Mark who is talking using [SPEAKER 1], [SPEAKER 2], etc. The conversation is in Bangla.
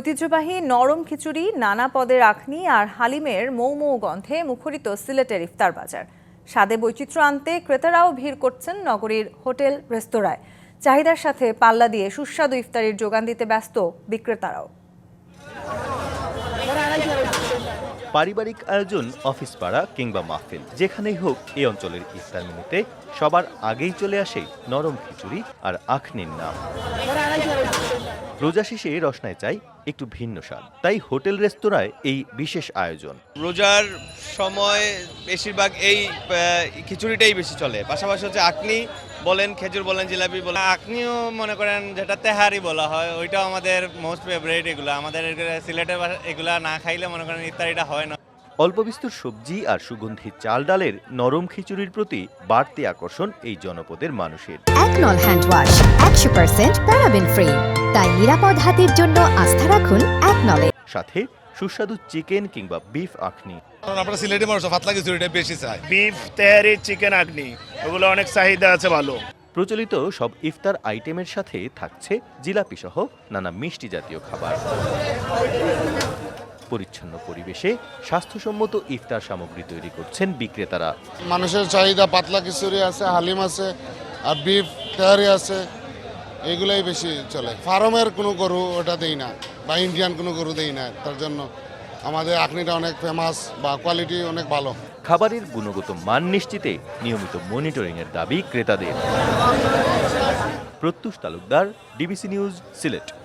[SPEAKER 1] ঐতিহ্যবাহী নরম খিচুড়ি, নানা পদের আখনি আর হালিমের মৌ মৌ গন্ধে মুখরিত সিলেটের ইফতার বাজার। স্বাদে বৈচিত্র্য আনতে ক্রেতারাও ভিড় করছেন নগরীর হোটেল রেস্তোরাঁয়। চাহিদার সাথে পাল্লা দিয়ে সুস্বাদু ইফতারির যোগান দিতে ব্যস্ত বিক্রেতারাও।
[SPEAKER 2] পারিবারিক আয়োজন, অফিস পাড়া কিংবা মাহফিল, যেখানেই হোক এই অঞ্চলের ইফতার মেনুতে সবার আগেই চলে আসে নরম খিচুড়ি আর আখনির নাম। রোজা শেষে রসনায় চাই একটু ভিন্ন স্বাদ, তাই হোটেল রেস্তোরাঁয় এই বিশেষ আয়োজন।
[SPEAKER 3] রোজার সময় বেশিরভাগ এই খিচুড়িটাই বেশি চলে, পাশাপাশি হচ্ছে আখনি বলেন, খেজুর বলেন, জিলাপি বলেন। আখনিও মনে করেন যেটা তেহারি বলা হয়, ওইটাও আমাদের মোস্ট ফেভারিট। এগুলো আমাদের সিলেটের এগুলা না খাইলে মনে করেন ইফতারিটা হয় না।
[SPEAKER 2] অল্প বিস্তর সবজি আর সুগন্ধি চাল ডালের নরম খিচুড়ির প্রতি বাড়তি আকর্ষণ এই জনপদের মানুষের।
[SPEAKER 4] একনল হ্যান্ড ওয়াশ 100% প্যারাবেন ফ্রি, তাই নিরাপদ হাতের জন্য আস্থা রাখুন একনলে।
[SPEAKER 2] সাথে সুস্বাদু চিকেন কিংবা বিফ আখনি।
[SPEAKER 5] আমরা সিলেটি মানুষ পাতলা খিচুড়িটা বেশি চাই।
[SPEAKER 6] বিফ তেহারি, চিকেন আখনি, ওগুলো অনেক চাহিদা আছে ভালো।
[SPEAKER 2] প্রচলিত সব ইফতার আইটেমের সাথে থাকছে জিলাপি সহ নানা মিষ্টি জাতীয় খাবার। পরিচ্ছন্ন পরিবেশে স্বাস্থ্যসম্মত ইফতার সামগ্রী তৈরি করছেন বিক্রেতারা।
[SPEAKER 7] মানুষের চাহিদা পাতলা খিচুড়ি আছে, হালিম আছে, আর বিফ তেহারি আছে, এগুলাই বেশি চলে। ফার্মের কোনো গরু ওটা দেই না, বা ইন্ডিয়ান কোনো গরু দেই না, তার জন্য আমাদের আখনিটা অনেক ফেমাস বা কোয়ালিটি অনেক ভালো।
[SPEAKER 2] খাবারের গুণগত মান নিশ্চিতে নিয়মিত মনিটরিংয়ের দাবি ক্রেতাদের। Pratyush Talukdar, DBC news, Sylhet.